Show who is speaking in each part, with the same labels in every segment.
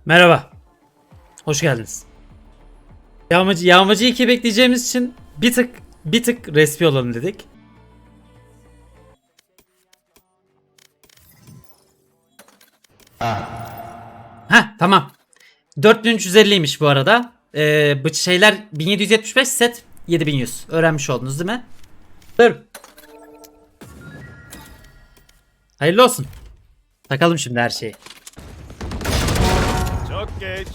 Speaker 1: Merhaba. Hoş geldiniz. Yağmacı 2 bekleyeceğimiz için bir tık respi olalım dedik. Ha tamam. 4350'ymiş bu arada. Bu şeyler 1775 set 7100. Öğrenmiş oldunuz değil mi? Dur. Hayırlı olsun. Takalım şimdi her şeyi.
Speaker 2: Çok geç.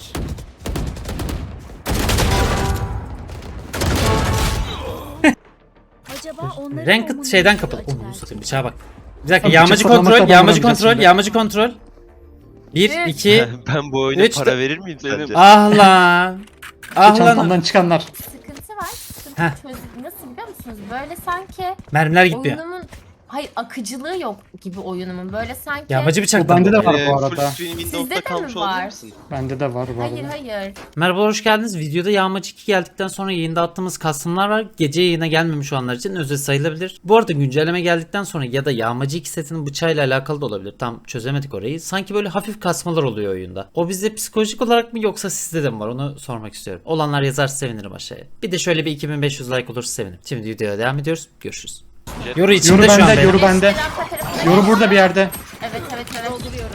Speaker 3: Acaba onların
Speaker 1: Ranked şeyden kapalı.
Speaker 3: acılar.
Speaker 1: Onu satayım bıçağa bak. Bir dakika
Speaker 4: Abi,
Speaker 1: yağmacı
Speaker 4: bıçak fırlamak
Speaker 1: kontrol,
Speaker 4: da
Speaker 1: yağmacı
Speaker 4: bulamayacağız
Speaker 1: kontrol,
Speaker 4: şimdi.
Speaker 1: yağmacı kontrol. 1 2
Speaker 5: Ben bu oyuna
Speaker 1: Üç
Speaker 5: para
Speaker 1: de-
Speaker 5: verir miyim sence?
Speaker 1: Ah lan. Ah
Speaker 4: Çantamdan
Speaker 1: lan.
Speaker 4: çıkanlar.
Speaker 3: Sıkıntı var.
Speaker 1: Heh.
Speaker 3: Sıkıntı nasıl biliyor musunuz? Böyle sanki
Speaker 1: Mermiler gitmiyor.
Speaker 3: oyunumun akıcılığı yok gibi oyunumun. Böyle sanki
Speaker 1: Yağmacı
Speaker 4: Bu
Speaker 1: bıçak.
Speaker 4: bende de var
Speaker 5: Full
Speaker 4: bu arada.
Speaker 5: screen
Speaker 3: Sizde
Speaker 5: Windows'da
Speaker 3: de
Speaker 5: kalmış
Speaker 3: mi
Speaker 5: olabilir
Speaker 3: var?
Speaker 5: misin?
Speaker 4: Bende de var bu
Speaker 3: hayır
Speaker 4: arada.
Speaker 3: hayır.
Speaker 1: Merhaba hoş geldiniz. Videoda Yağmacı 2 geldikten sonra yayında attığımız custom'lar var. Gece yayına gelmemiş olanlar için özel sayılabilir. Bu arada güncelleme geldikten sonra ya da Yağmacı 2 setinin bıçağıyla alakalı da olabilir. Tam çözemedik orayı. Sanki böyle hafif kasmalar oluyor oyunda. O bizde psikolojik olarak mı yoksa sizde de mi var? Onu sormak istiyorum. Olanlar yazarsa sevinirim aşağıya. Bir de şöyle bir 2500 like olursa sevinirim. Şimdi videoya devam ediyoruz. Görüşürüz. Yoru içinde
Speaker 4: Yoru
Speaker 1: şu an
Speaker 4: bende,
Speaker 1: benim.
Speaker 4: yoru bende.
Speaker 3: Arka tarafı-
Speaker 4: Yoru burada bir yerde.
Speaker 3: Evet evet evet.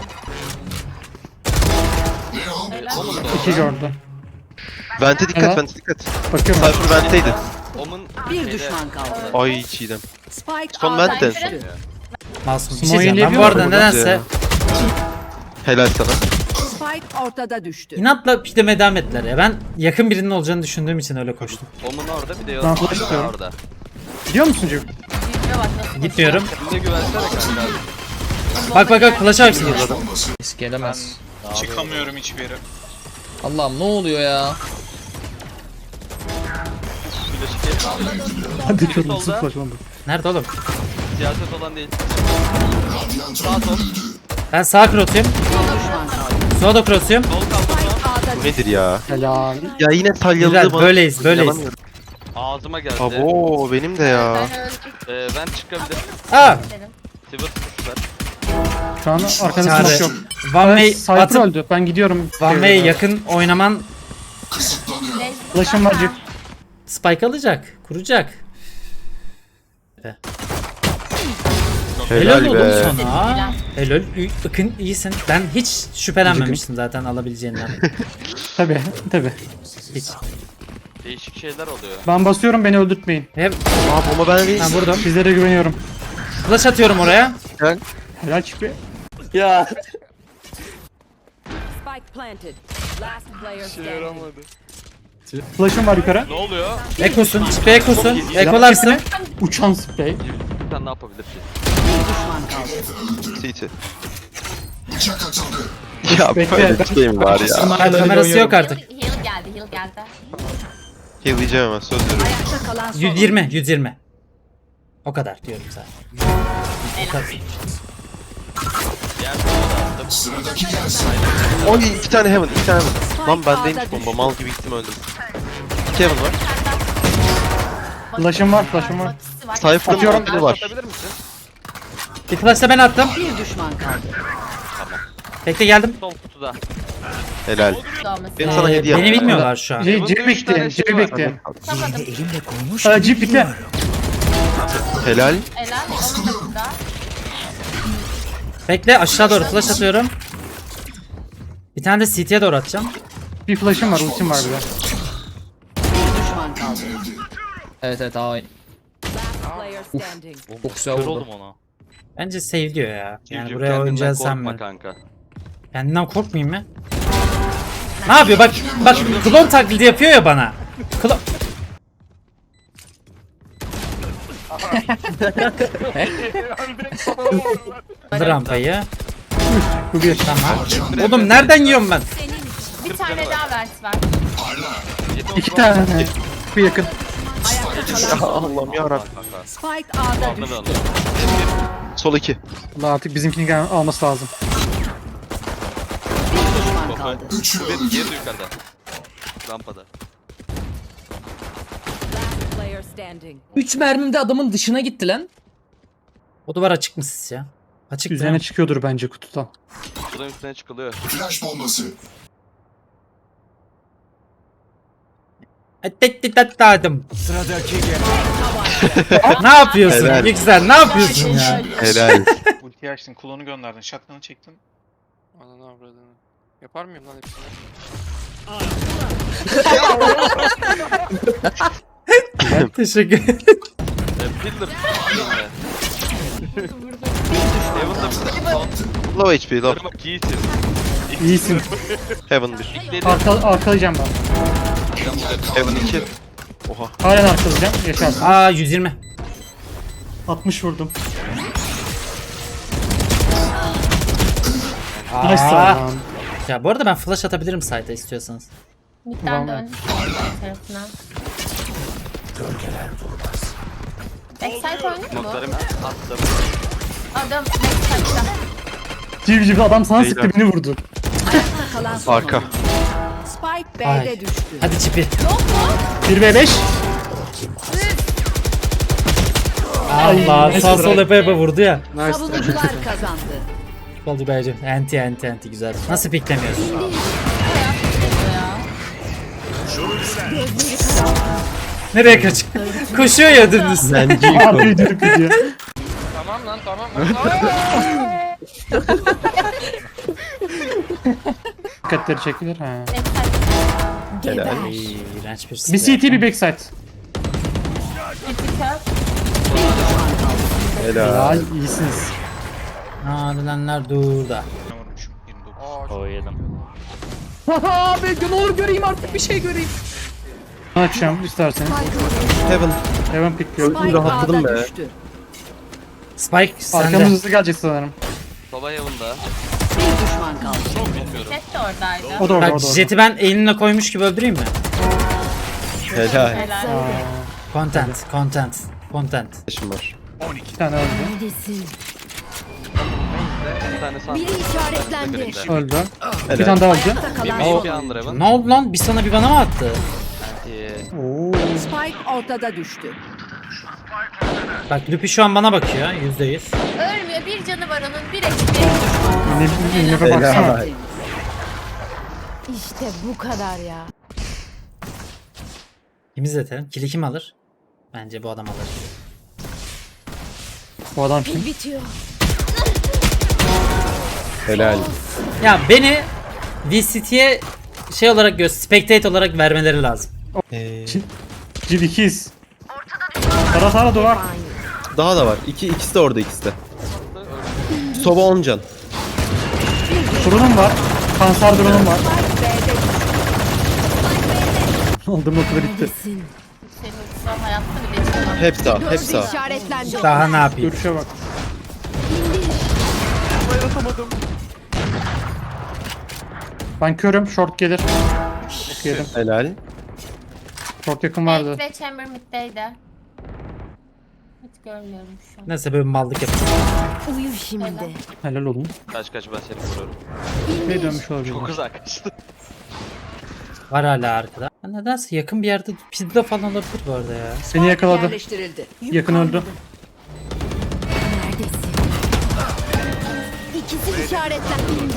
Speaker 4: İki gördü.
Speaker 5: Vente dikkat,
Speaker 4: Evet.
Speaker 5: vente dikkat.
Speaker 4: Bakıyorum.
Speaker 5: Cypher venteydi.
Speaker 6: Omun
Speaker 7: Bir düşman kaldı.
Speaker 5: Ay Çiğdem.
Speaker 7: Spike
Speaker 5: Son
Speaker 7: A'dan
Speaker 5: vente.
Speaker 7: düştü.
Speaker 1: Masum. Bir şey
Speaker 4: Smoke
Speaker 1: diyeceğim. Ben bu
Speaker 4: yiyebiliyor
Speaker 1: arada
Speaker 4: mu?
Speaker 1: nedense
Speaker 5: Helal sana.
Speaker 7: Spike ortada düştü.
Speaker 1: inatla pideme devam ettiler ya. Ben yakın birinin olacağını düşündüğüm için öyle koştum.
Speaker 6: Omun orada bir de
Speaker 4: Ben
Speaker 6: Yosun
Speaker 4: flash
Speaker 6: da
Speaker 4: istiyorum.
Speaker 6: orada.
Speaker 4: Gidiyor musun Cem?
Speaker 3: Yüzüne bak nasıl
Speaker 1: Gitmiyorum.
Speaker 6: Şimdi güvensene kanka.
Speaker 1: Bak flash'a bak şimdi.
Speaker 8: Risk gelemez.
Speaker 2: Çıkamıyorum hiçbir yere.
Speaker 8: Allah'ım ne oluyor ya?
Speaker 4: Hadi çok
Speaker 6: Solda.
Speaker 4: mutsuz oldu.
Speaker 1: Nerede oğlum?
Speaker 6: Siyaset olan değil. Sağ sol.
Speaker 1: Ben sağ cross'uyum. Sola da cross'uyum.
Speaker 6: Sol kaldı
Speaker 5: Bu nedir ya?
Speaker 4: Helal.
Speaker 5: Ya yine salyalı
Speaker 1: Güzel
Speaker 5: bana.
Speaker 1: böyleyiz.
Speaker 5: Yalamıyorum.
Speaker 6: Ağzıma geldi.
Speaker 5: Abo benim de ya.
Speaker 3: Ben öldüm
Speaker 6: Ben çıkabilirim.
Speaker 1: Aa!
Speaker 3: dedim.
Speaker 6: Sivır tutuşlar.
Speaker 4: Şu an arkada
Speaker 1: Çare.
Speaker 4: smoke yok.
Speaker 1: One way
Speaker 4: Cypher
Speaker 1: atıp
Speaker 4: öldü. Ben gidiyorum.
Speaker 1: One way yakın oynaman
Speaker 4: Flash'ım var Cem.
Speaker 1: spike alacak. Kuracak.
Speaker 5: Helal
Speaker 1: Helal oğlum
Speaker 5: be.
Speaker 1: sana. Helal. Bakın iyisin. Ben hiç şüphelenmemiştim zaten alabileceğinden.
Speaker 4: Tabi tabi.
Speaker 1: Hiç.
Speaker 6: Değişik şeyler oluyor.
Speaker 4: Ben basıyorum, beni öldürtmeyin.
Speaker 1: Hep
Speaker 5: Aa bomba ben değil.
Speaker 1: ben vurdum.
Speaker 4: Sizlere güveniyorum.
Speaker 1: Flash atıyorum oraya.
Speaker 4: Helal çıkıyor.
Speaker 7: Spike planted. Last player standing.
Speaker 4: Flash'ım var yukarı.
Speaker 6: Ne oluyor?
Speaker 1: Ekosun. Çıkı ekosun. Ekolarsın.
Speaker 4: Uçan spray.
Speaker 6: Sen ne yapabilir ki?
Speaker 7: Bir düşman kaldı.
Speaker 5: CT. Ya
Speaker 4: Bekle.
Speaker 5: böyle bir şey mi var ya?
Speaker 1: Ha, kamerası yok artık.
Speaker 3: Heal geldi.
Speaker 5: Heal'layacağım hemen söz veriyorum.
Speaker 7: Ayakta kalan son.
Speaker 1: 120. O kadar diyorum zaten.
Speaker 6: Diğer sola da attım.
Speaker 5: Oy iki tane heaven, iki tane heaven. Lan bendeymiş
Speaker 7: A'da
Speaker 5: bomba, mal gibi gittim öldüm. İki heaven var.
Speaker 4: Flash'ım var, flash'ım var.
Speaker 5: Cypher'ın
Speaker 4: Atıyorum.
Speaker 5: ultili var.
Speaker 6: Atabilir misin?
Speaker 1: Bir flash da ben attım.
Speaker 7: Bir düşman kaldı.
Speaker 1: Bekle geldim.
Speaker 6: Sol kutuda.
Speaker 5: Helal. Benim sana hediye
Speaker 1: Beni
Speaker 5: yaptım.
Speaker 1: bilmiyorlar şu an.
Speaker 4: Cip bekleyin, cip bekleyin.
Speaker 3: Tutamadım.
Speaker 4: Cip bitti.
Speaker 5: Helal.
Speaker 3: Helal. Onun da burada.
Speaker 1: Bekle aşağı doğru flash atıyorum. Bir tane de CT'ye doğru atacağım.
Speaker 4: Bir flash'ım var, ultim var bir de.
Speaker 7: Bir düşman kaldı.
Speaker 8: Evet A oyun.
Speaker 7: Last player standing.
Speaker 8: Çok güzel
Speaker 6: Kör
Speaker 8: vurdu.
Speaker 6: oldum ona.
Speaker 1: Bence save diyor ya. Yani
Speaker 6: Civciv,
Speaker 1: buraya
Speaker 6: kendinden
Speaker 1: oynayacağız sen
Speaker 6: korkma
Speaker 1: mi?
Speaker 6: kanka.
Speaker 1: Kendinden korkmayayım mı? Ne yapıyor? Bak klon taklidi yapıyor ya bana. Klon... Aldı rampayı.
Speaker 4: Bu bir.
Speaker 1: Tamam. Oğlum nereden yiyorum ben?
Speaker 3: Bir tane daha vers ver.
Speaker 4: İki tane. Bir yakın.
Speaker 5: Allah'ım yarabbim.
Speaker 7: Spike A'da
Speaker 6: Aldı
Speaker 7: düştü.
Speaker 6: onu.
Speaker 5: Sol iki.
Speaker 4: Allah artık bizimkini alması lazım.
Speaker 7: Bir düşman kaldı.
Speaker 6: Bir diğeri de yukarıda. Rampada.
Speaker 7: Last player standing.
Speaker 8: 3 mermimde adamın dışına gitti lan.
Speaker 1: O duvar açık mı siz ya? Açık
Speaker 4: Üzerine
Speaker 1: değil mi?
Speaker 4: çıkıyordur bence kutudan.
Speaker 6: Buradan üstüne çıkılıyor.
Speaker 1: Ettettitatladım. Ne yapıyorsun
Speaker 5: Helal.
Speaker 1: Yüksel? Ne yapıyorsun ya?
Speaker 5: Helal.
Speaker 2: Ultiyi açtın, klonu gönderdin, shotgun'ı çektin.
Speaker 6: Ananı avradını. Yapar mıyım lan hepsini?
Speaker 1: Teşekkür ederim.
Speaker 6: Pillar. Heaven'da bir de son.
Speaker 5: Low HP low.
Speaker 6: Kırma giyitir.
Speaker 4: İyisin.
Speaker 5: Heaven 1.
Speaker 6: Dedi.
Speaker 4: Arkalayacağım ben.
Speaker 5: Heaven 2. Oha.
Speaker 4: Halen arkalayacağım. Yaşarsın.
Speaker 1: Aa 120.
Speaker 4: 60 vurdum.
Speaker 1: Aa.
Speaker 4: Nice lan.
Speaker 1: Ya bu arada ben flash atabilirim site'a istiyorsanız.
Speaker 3: Midden
Speaker 4: Tamam.
Speaker 3: dön. Tarafına. Backside oynuyor mu?
Speaker 6: Notlarımı attım.
Speaker 3: Adam backside'da.
Speaker 4: Civ adam sana
Speaker 5: Beyler.
Speaker 4: sıktı beni vurdu.
Speaker 7: Kalan son
Speaker 5: Arka.
Speaker 7: oyuncu. Spike
Speaker 1: Ay.
Speaker 7: B'de düştü.
Speaker 1: Hadi çipi.
Speaker 4: 1v5.
Speaker 1: Allah
Speaker 4: nice
Speaker 1: sağ sol
Speaker 4: try.
Speaker 1: yapa yapa vurdu ya.
Speaker 7: Savunucular kazandı.
Speaker 1: Oldu bence. Anti güzel. Nasıl piklemiyorsun? Nereye kaç? Koşuyor ya dümdüz.
Speaker 4: Abi dürüp gidiyor.
Speaker 6: Tamam lan tamam lan.
Speaker 4: Dikkatleri çekilir. Ha.
Speaker 5: Helal.
Speaker 1: Ay, iğrenç bir
Speaker 4: Bir
Speaker 1: silah.
Speaker 4: CT bir backside.
Speaker 5: Helal.
Speaker 4: Helal iyisiniz.
Speaker 1: Adilenler durda.
Speaker 2: Ne vurmuşum? 29.
Speaker 6: Aa,
Speaker 1: Yedim.
Speaker 8: Abi ne olur göreyim artık bir şey göreyim.
Speaker 4: Açacağım isterseniz.
Speaker 5: Heaven.
Speaker 4: Hemen pickliyor.
Speaker 7: Spike
Speaker 5: rahatladım
Speaker 7: A'da
Speaker 5: be.
Speaker 7: düştü.
Speaker 1: Spike
Speaker 4: Arkamız
Speaker 1: sende.
Speaker 4: hızlı gelecek sanırım.
Speaker 6: Sola Heaven'da.
Speaker 7: Bir düşman kaldı.
Speaker 6: Bilmiyorum.
Speaker 3: Jet de oradaydı.
Speaker 4: O da orada,
Speaker 1: Bak
Speaker 4: o da orada.
Speaker 1: jeti ben elinle koymuş gibi öldüreyim mi?
Speaker 5: Helal.
Speaker 3: Helal.
Speaker 1: Content.
Speaker 5: Yaşım var.
Speaker 4: İki tane öldü.
Speaker 7: Neredesin?
Speaker 6: Bir tane sağ.
Speaker 7: Biri işaretlendi.
Speaker 4: Öldü. Bir
Speaker 5: Helal.
Speaker 4: tane daha öldü.
Speaker 7: Ayakta kalan
Speaker 6: Bir
Speaker 7: son
Speaker 6: iki
Speaker 7: oyuncu.
Speaker 6: under Heaven.
Speaker 1: Ne oldu lan? Bir sana bir bana mı attı?
Speaker 4: Oo.
Speaker 7: Spike ortada düştü.
Speaker 1: Bak Lupi şu an bana bakıyor %100.
Speaker 3: Ölmüyor. Bir canı var onun. Bir eşit.
Speaker 4: Nefe baksana.
Speaker 5: Helal.
Speaker 7: İşte bu kadar ya.
Speaker 1: Kim izletelim? Kili kim alır? Bence bu adam alır.
Speaker 4: Bu adam kim?
Speaker 7: Bitiyor.
Speaker 5: Helal.
Speaker 1: Ya beni VCT'ye şey olarak spectate olarak vermeleri lazım.
Speaker 4: Civ ikiyiz. Tara duvar.
Speaker 5: Daha da var. İkisi de orada ikisi de. Sova 10 can.
Speaker 4: Drone'um var. Kanser drone'um var. Aldım okula bitti.
Speaker 3: Senin son hayatta bile çıkamam.
Speaker 5: Hep sağ. Hep sağ.
Speaker 7: İşaretlendi.
Speaker 1: Daha ne yapayım?
Speaker 4: Görüşe bak. Ben körüm. Short gelir. Yedim.
Speaker 5: Helal.
Speaker 4: Short yakın vardı.
Speaker 3: Ve Chamber mid'deydi. Hiç görmüyorum şu an.
Speaker 1: Neyse böyle bir mallık yapayım.
Speaker 7: Uyu şimdi.
Speaker 4: Helal olun.
Speaker 6: Kaç ben seni vuruyorum.
Speaker 4: Ne dönmüş olabilir?
Speaker 6: Çok güzel kaçtı.
Speaker 1: Var hala arkada. Ya nedense yakın bir yerde pizza falan olabilir bu arada ya.
Speaker 4: Beni yakaladı.
Speaker 7: Yerleştirildi.
Speaker 4: Yakın öldü.
Speaker 7: Neredesin? İkisi işaretlendi.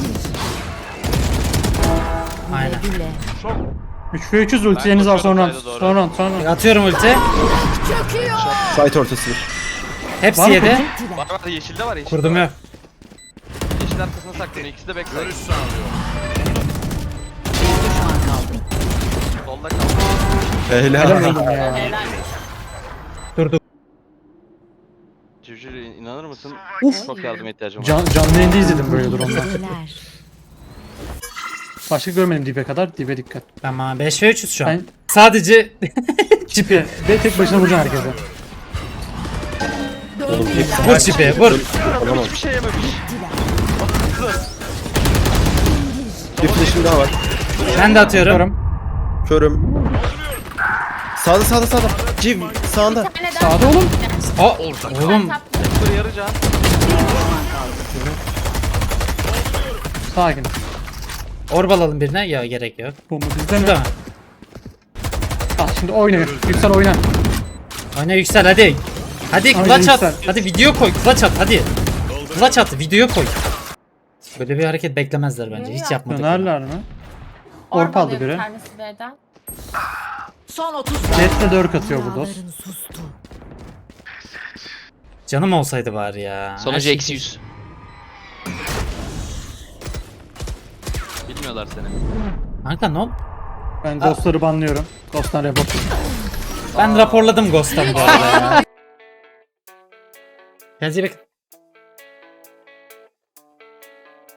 Speaker 1: Aynen.
Speaker 7: Bile.
Speaker 4: 3v300 ultileriniz var sonra.
Speaker 6: koşuyorum,
Speaker 4: Sonra.
Speaker 1: Atıyorum ulti.
Speaker 5: Site ortası bir.
Speaker 1: Hepsi
Speaker 4: Var mı
Speaker 1: yedi.
Speaker 6: Var yeşilde var yeşilde.
Speaker 1: Kurdum
Speaker 6: var.
Speaker 1: yok.
Speaker 6: Yeşil arkasına saklanıyor. İkisi de backside.
Speaker 7: Düşman kaldı.
Speaker 6: Solda kaldı.
Speaker 4: Helal
Speaker 5: Helal.
Speaker 4: oldum ya.
Speaker 3: Helal.
Speaker 1: Durduk.
Speaker 6: Civciv inanır mısın? Çok yardıma ihtiyacım var.
Speaker 4: Canlı yayında izledim böyle durumda.
Speaker 7: Neler?
Speaker 4: Başka görmedim dibe kadar. Dibe dikkat.
Speaker 1: Tamam 5 ve 3'üz şu an.
Speaker 4: Ben
Speaker 1: Sadece
Speaker 4: çipi. Ve tek başına vuracaksın herkese.
Speaker 1: vur çipi vur.
Speaker 5: Tamam.
Speaker 6: Hiçbir şey yememiş.
Speaker 5: Bir flash'im daha var.
Speaker 1: Ben de atıyorum.
Speaker 4: Körüm.
Speaker 5: Körüm. Sağda. Civ sağında.
Speaker 3: Bir tane daha.
Speaker 4: Sağda oğlum.
Speaker 1: Aa, oğlum
Speaker 6: Dur yarıcan.
Speaker 4: Sakin.
Speaker 1: orb alalım birine. Ya gerek yok.
Speaker 4: Bomba bizde mi?
Speaker 1: Burada mı?
Speaker 4: Ah şimdi oyna. Yüksel oyna.
Speaker 1: Oyna yüksel hadi. Hadi
Speaker 4: Aynen,
Speaker 1: clutch at.
Speaker 4: yüksel.
Speaker 1: Hadi video koy. Clutch at hadi. Clutch at video koy. Böyle bir hareket beklemezler bence. Hiç yapmadık.
Speaker 4: Dönerler mi? Orp aldı
Speaker 3: alıyor
Speaker 4: biri.
Speaker 3: Bir tanesi B'den.
Speaker 7: Son 30
Speaker 4: Jet'le 4 atıyor bu dost.
Speaker 7: Dağların sustu.
Speaker 1: Canım olsaydı bari ya. Her
Speaker 6: Sonucu
Speaker 1: şey-
Speaker 6: eksi 100. Bilmiyorlar seni.
Speaker 1: Kanka no.
Speaker 4: Ben ghostları banlıyorum. Ghost'tan report.
Speaker 1: Ben raporladım Ghost'tan bu arada ya. Kendinize iyi bakın.